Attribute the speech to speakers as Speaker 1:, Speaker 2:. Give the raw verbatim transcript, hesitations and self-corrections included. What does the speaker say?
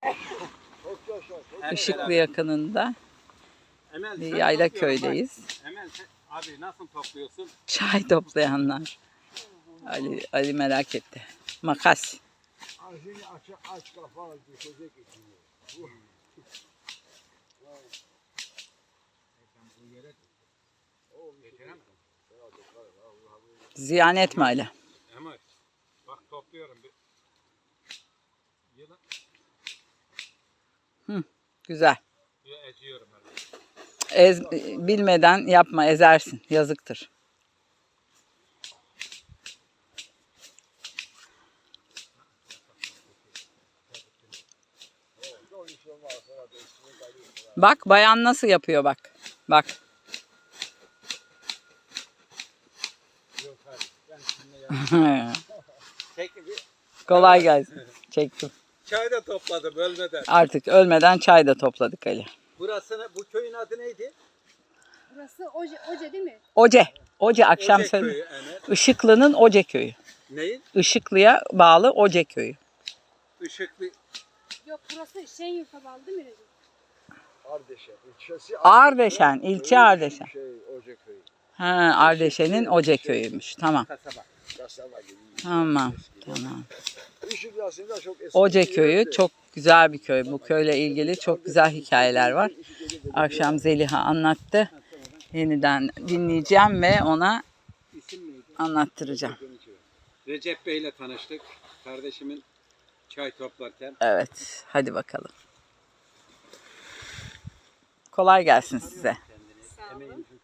Speaker 1: Işıklı yakınında
Speaker 2: Emel,
Speaker 1: bir
Speaker 2: sen
Speaker 1: yayla
Speaker 2: topluyorum,
Speaker 1: köydeyiz.
Speaker 2: bak. Emel, sen- abi nasıl topluyorsun?
Speaker 1: Çay toplayanlar. Ali, Ali merak etti. Makas.
Speaker 3: Ağzını aç, aç kafa düşecek içine.
Speaker 1: Ziyan etme Ali.
Speaker 2: Emel, bak topluyorum. Bir... Yılan.
Speaker 1: Güzel.
Speaker 2: Ya, eziyorum öyle.
Speaker 1: Ez, bilmeden yapma, ezersin. Yazıktır. Bak bayan nasıl yapıyor bak. Bak.
Speaker 2: Çek bir.
Speaker 1: Kolay gelsin. Çektim.
Speaker 2: Çay da topladım ölmeden.
Speaker 1: Artık ölmeden çay da topladık Ali.
Speaker 2: Burasını, bu köyün adı neydi?
Speaker 4: Burası Oce, Oce değil mi?
Speaker 1: Oce. Oce akşam
Speaker 2: Ocak
Speaker 1: söyle.
Speaker 2: köyü Emel.
Speaker 1: Işıklı'nın Oce köyü.
Speaker 2: Neyin?
Speaker 1: Işıklı'ya bağlı Oce köyü.
Speaker 2: Işıklı.
Speaker 4: Yok burası Şenyurt'a bağlı değil mi Recep?
Speaker 3: Ardeşen ilçesi.
Speaker 1: Ardeşen, ilçe Ardeşen.
Speaker 3: Şey, Ocakköy.
Speaker 1: Ha, Ardeşen'in Oce köyüymüş. Tamam.
Speaker 2: Kasaba.
Speaker 3: Kasaba gibi.
Speaker 1: Tamam. Tamam.
Speaker 3: Işık aslında çok eski.
Speaker 1: Oce
Speaker 3: bir
Speaker 1: köyü
Speaker 3: yerdi.
Speaker 1: çok güzel bir köy. Bu köyle ilgili çok güzel hikayeler var. Akşam Zeliha anlattı. Yeniden dinleyeceğim ve ona
Speaker 2: İsim neydi?
Speaker 1: anlattıracağım.
Speaker 2: Recep Bey ile tanıştık. Kardeşimin çay toplarken.
Speaker 1: Evet. Hadi bakalım. Kolay gelsin size.
Speaker 4: Sağ olun.